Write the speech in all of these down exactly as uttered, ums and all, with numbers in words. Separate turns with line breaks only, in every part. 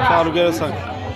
चालू केलं सांग.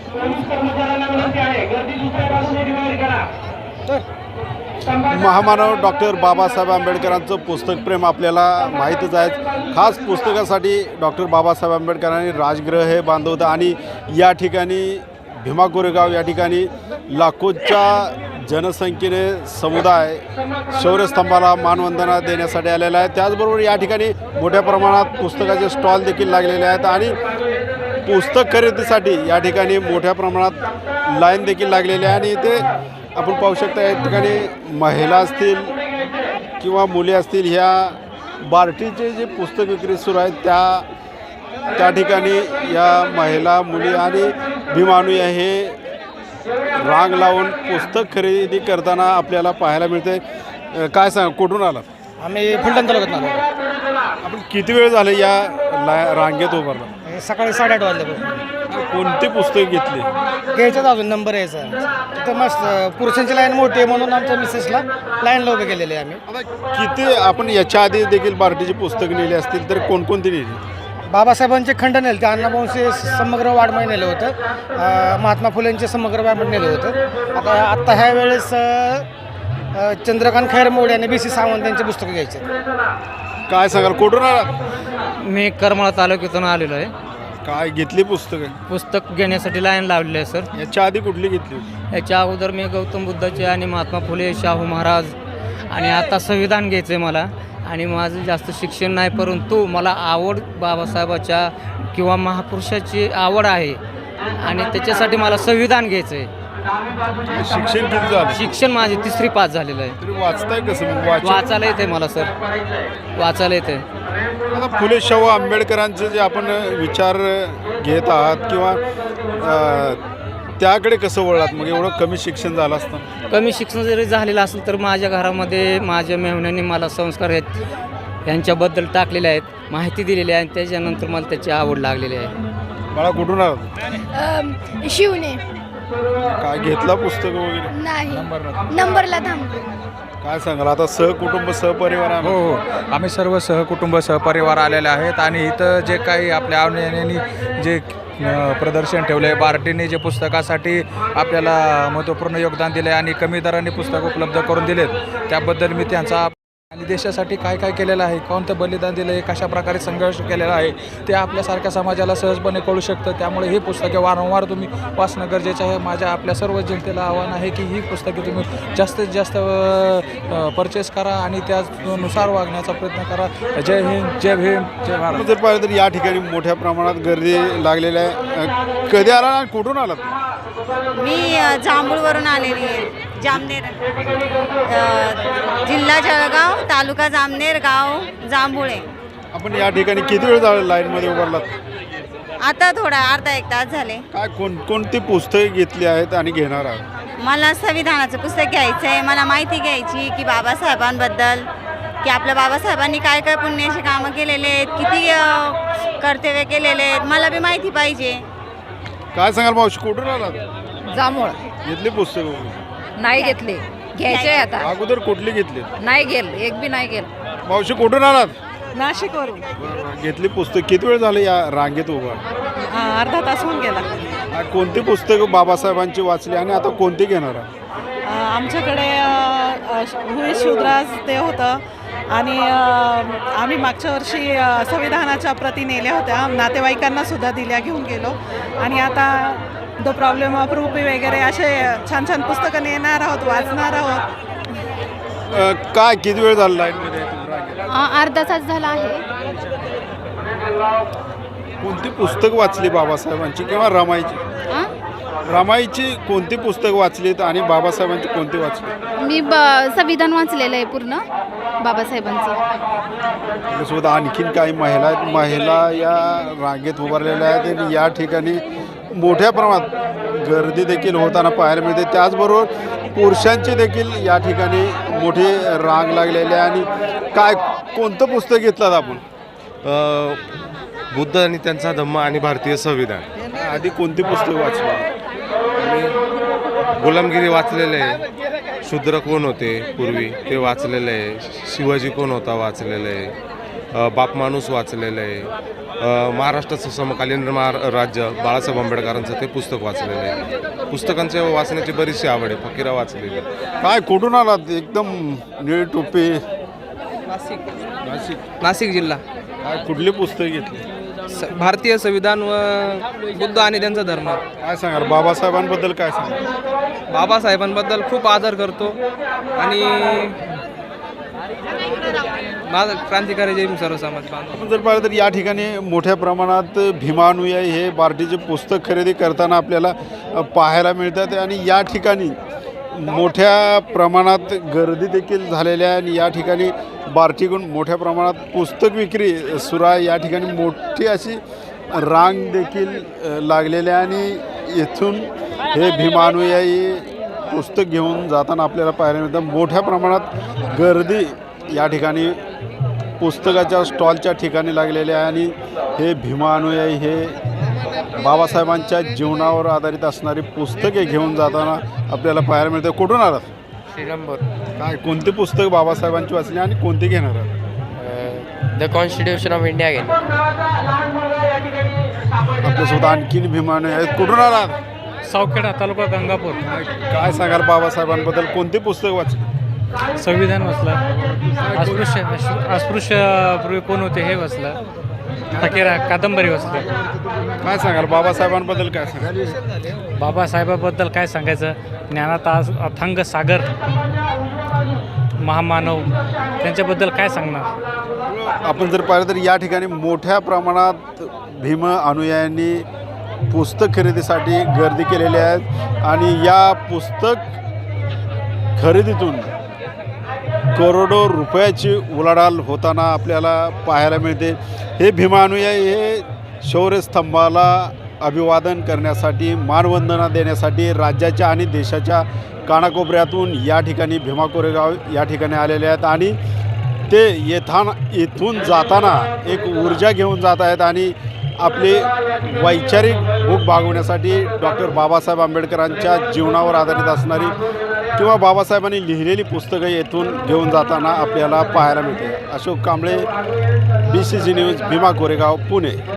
महामानव डॉक्टर बाबासाहेब आंबेडकरांचं पुस्तक प्रेम आपल्याला माहीतच आहे. खास पुस्तकासाठी डॉक्टर बाबासाहेब आंबेडकरांनी राजगृह हे बांधलं होतं आणि या ठिकाणी भीमा कोरेगाव या ठिकाणी लाखोच्या जनसंख्येने समुदाय शौर्यस्तंभाला मानवंदना देण्यासाठी आलेला आहे. त्याचबरोबर या ठिकाणी मोठ्या प्रमाणात पुस्तकाचे स्टॉल देखील लागलेले आहेत आणि पुस्तक खरेदीसाठी या ठिकाणी मोठ्या प्रमाणात लाईन देखील लागलेली आहे. आणि इथे आपण पाहू शकता या ठिकाणी महिला असतील किंवा मुली असतील ह्या बार्टीचे जे पुस्तक विक्री सुरू आहेत त्या त्या ठिकाणी या महिला मुली आणि भीमानुया हे रांग लावून पुस्तक खरेदी करताना आपल्याला पाहायला मिळते. काय सांग कुठून आला?
आम्ही फलटण तालुक्यात आलो.
आपण किती वेळ झाले या ला रांगेत उभारला?
सकाळी साडेआठ वाजल्यापासून.
कोणती पुस्तक घेतली?
घ्यायचं अजून नंबर यायचा. तिथं मस्त पुरुषांची लाईन मोठी आहे म्हणून आमच्या मिसेसला लाईनला उभे केलेले आहे आम्ही.
आता किती आपण याच्या आधी देखील बार्टीची पुस्तक नेली असतील तर कोणकोणती नेली?
बाबासाहेबांचे खंड नेले ते अण्णाभाऊंचे समग्र वाड्मय नेलं होतं. महात्मा फुलेंचे समग्र वाड्मय नेलं होतं. आता आत्ता ह्या वेळेस चंद्रकांत खैरमोड आणि बी सी सावंत यांचे पुस्तकं घ्यायचे.
काय सांगाल कुठून आला?
मी करमाळा तालुक्यातून आलेलो आहे.
काय घेतली पुस्तकं?
पुस्तक घेण्यासाठी लाईन लावलेली आहे सर.
याच्या आधी कुठली घेतली?
याच्या अगोदर मी गौतम बुद्धाचे आणि महात्मा फुले, शाहू महाराज आणि आता संविधान घ्यायचं आहे मला. आणि माझं जास्त शिक्षण नाही परंतु मला आवड बाबासाहेबाच्या किंवा महापुरुषाची आवड आहे आणि त्याच्यासाठी मला संविधान घ्यायचं आहे.
शिक्षण किती झालं?
शिक्षण माझे तिसरी पास झालेलं आहे.
तरी वाचताय कसं? मग वाच
वाचायला येते मला सर, वाचायला येते.
आता फुले शाहू आंबेडकरांचे जे आपण विचार घेत आहात किंवा त्याकडे कसं वळलात? मग एवढं कमी शिक्षण झालं असतं?
कमी शिक्षण जरी झालेलं असेल तर माझ्या घरामध्ये माझ्या मेहुण्याने मला संस्कार आहेत यांच्याबद्दल टाकलेले आहेत, माहिती दिलेली आहे आणि त्याच्यानंतर मला त्याची आवड लागलेली आहे.
मला कुठून आलं?
शिवने
काय घेतला पुस्तक वगैरे?
नाही नंबरला थांब.
काय सांगाल आता सहकुटुंब सहपरिवार आहे?
हो हो आम्ही सर्व सहकुटुंब सहपरिवार आलेले आहेत आणि इथं जे काही आपल्या आवडीने जे प्रदर्शन ठेवलं आहे, बार्टीने जे पुस्तकासाठी आपल्याला महत्त्वपूर्ण योगदान दिलं आहे आणि कमी दराने पुस्तक उपलब्ध करून दिलेत त्याबद्दल मी त्यांचा आणि देशासाठी काय काय केलेलं आहे, कोणतं बलिदान दिलं आहे, कशा प्रकारे संघर्ष केलेला आहे ते आपल्यासारख्या समाजाला सहजपणे कळू शकतं. त्यामुळे ही पुस्तके वारंवार तुम्ही वाचणं गरजेचं आहे. माझ्या आपल्या सर्व जनतेला आव्हान आहे की ही पुस्तके तुम्ही जास्तीत जास्त परचेस करा आणि त्यानुसार वागण्याचा प्रयत्न करा. जय हिंद, जय भीम, जय भारत.
जर पाहिलं तर या ठिकाणी मोठ्या प्रमाणात गर्दी लागलेली आहे. कधी आला आणि कुठून आलात?
मी जांभूळवरून आलेली आहे. जामनेर, जिल्हा जळगाव, तालुका जामनेर, गाव जांभुळे.
आपण या ठिकाणी किती वेळ झाला लाईनमध्ये उभारलात?
आता थोडा अर्धा एक तास झाले.
काय कोण कोणती पुस्तके घेतली आहेत आणि घेणार आहात?
मला संविधानाचं पुस्तक घ्यायचं आहे. मला माहिती घ्यायची की बाबासाहेबांबद्दल, की आपल्या बाबासाहेबांनी काय काय पुण्याची कामं केलेले आहेत, किती कर्तव्य केलेले आहेत, मला बी माहिती पाहिजे.
काय सांगाल मावशी कुठून आलात?
जांभूळ
घेतली पुस्तकं?
नाही घेतले, घ्यायचे आता.
अगोदर कुठली घेतली?
नाही गेल, एक बी नाही गेल.
मावशी कुठून आलात?
नाशिकवरून.
घेतली पुस्तक. किती वेळ झाले या रांगेत उभा?
अर्धा तास होऊन गेला.
आ, कोणती पुस्तकं बाबासाहेबांची वाचली आणि आता कोणती घेणार आहात?
आमच्याकडे हुई शुद्राज ते होतं आणि आम्ही मागच्या वर्षी संविधानाच्या प्रती नेल्या होत्या, नातेवाईकांना सुद्धा दिल्या, घेऊन गेलो. आणि आता द प्रॉब्लेम ऑफ रूपी वगैरे असे छान छान पुस्तकं नेणार आहोत, वाचणार आहोत.
अ, काय किती वेळ झाला लाईनमध्ये?
अर्धा तास झाला आहे.
कोणती पुस्तक वाचली बाबासाहेबांची किंवा रमाईची?
आ?
रमाईची कोणती पुस्तक वाचलीत आणि बाबासाहेबांची कोणती वाचली?
मी ब संविधान वाचलेलं आहे पूर्ण बाबासाहेबांचं.
त्यासोबत आणखीन काही महिला आहेत. महिला या रांगेत उभारलेल्या आहेत आणि या ठिकाणी मोठ्या प्रमाणात गर्दी देखील होताना पाहायला मिळते. त्याचबरोबर पुरुषांची देखील या ठिकाणी मोठी रांग लागलेली आहे. आणि काय कोणतं पुस्तक घेतलं आपण?
बुद्ध आणि त्यांचा धम्म आणि भारतीय संविधान.
आधी कोणती पुस्तक वाचली?
गुलामगिरी वाचलेले आहे, शूद्र कोण होते पूर्वी ते वाचलेलं आहे, शिवाजी कोण होता वाचलेलं आहे, बाप माणूस वाचलेलं आहे, अ, महाराष्ट्राचं समकालीन महार राज्य बाळासाहेब आंबेडकरांचं ते पुस्तक वाचलेलं आहे. पुस्तकांच्या वाचण्याची बरीचशी आवड आहे. फकीरा वाचलेली आहे.
काय कुठून आलात? एकदम निळी टोपी.
नाशिक
नाशिक.
नाशिक जिल्हा.
काय कुठली पुस्तक घेतली?
स भारतीय संविधान व बुद्ध आणि त्यांचा धर्म.
काय सांगाल बाबासाहेबांबद्दल? काय सांगाल?
बाबासाहेबांबद्दल खूप आदर करतो आणि माझा क्रांतिकारी जय भीम सर्व समाज बांधव.
आपण जर पाहिलं तर या ठिकाणी मोठ्या प्रमाणात भीमानुयायी हे बार्टीचे पुस्तक खरेदी करताना आपल्याला अ, पाहायला मिळतात आणि या ठिकाणी मोठ्या प्रमाणात गर्दी देखील झालेल्या आहे आणि या ठिकाणी बार्टीकडून मोठ्या प्रमाणात पुस्तक विक्री सुरू आहे. या ठिकाणी मोठी अशी रांग देखील अ, लागलेली आहे आणि इथून हे भीमानुयायी पुस्तक घेऊन जाताना आपल्याला पाहायला मिळतं. मोठ्या प्रमाणात गर्दी या ठिकाणी पुस्तकाच्या स्टॉलच्या ठिकाणी लागलेले आहे आणि हे भीमानुयायी हे बाबासाहेबांच्या जीवनावर आधारित असणारी पुस्तके घेऊन जाताना आपल्याला पाहायला मिळते. कुठून आलात?
श्रीरामपूर.
काय कोणती पुस्तक बाबासाहेबांची वाचली आणि कोणती घेणार आहात?
द कॉन्स्टिट्यूशन ऑफ इंडिया घेईन.
आपल्यासोबत आणखीन भीमानुयायी आहेत. कुठून आलात?
सावखेडा तालुका गंगापूर.
काय सांगाल बाबासाहेबांबद्दल? कोणती पुस्तक वाचली?
संविधान वाचलं, अस्पृश्य अस्पृश्य पूर्वी कोण होते हे वाचलं, फकीरा कादंबरी वाचली.
काय सांगाल बाबासाहेबांबद्दल? काय सांगाल?
बाबासाहेबाबद्दल काय सांगायचं, ज्ञानात आज अथांग सागर, महामानव, त्यांच्याबद्दल काय सांगणार.
आपण जर पाहिलं तर या ठिकाणी मोठ्या प्रमाणात भीम अनुयायांनी पुस्तक खरेदीसाठी गर्दी केलेली आहे आणि या पुस्तक खरेदीतून करोडो रुपयाची उलाढाल होताना आपल्याला पाहायला मिळते. हे भीम अनुयायी हे शौर्यस्तंभाला अभिवादन करण्यासाठी, मानवंदना देण्यासाठी राज्याच्या आणि देशाच्या कानाकोपऱ्यातून या ठिकाणी भीमा कोरेगाव या ठिकाणी आलेले आहेत आणि ते येताना इथून जाताना एक ऊर्जा घेऊन जात आहेत आणि आपली वैचारिक भूक भागवण्यासाठी डॉक्टर बाबासाहेब आंबेडकरांच्या जीवनावर आधारित असणारी किंवा बाबासाहेबांनी लिहिलेली पुस्तकं येथून घेऊन जाताना आपल्याला पाहायला मिळते. Ashok Kamble, B C G news, Bhima Koregaon, Pune.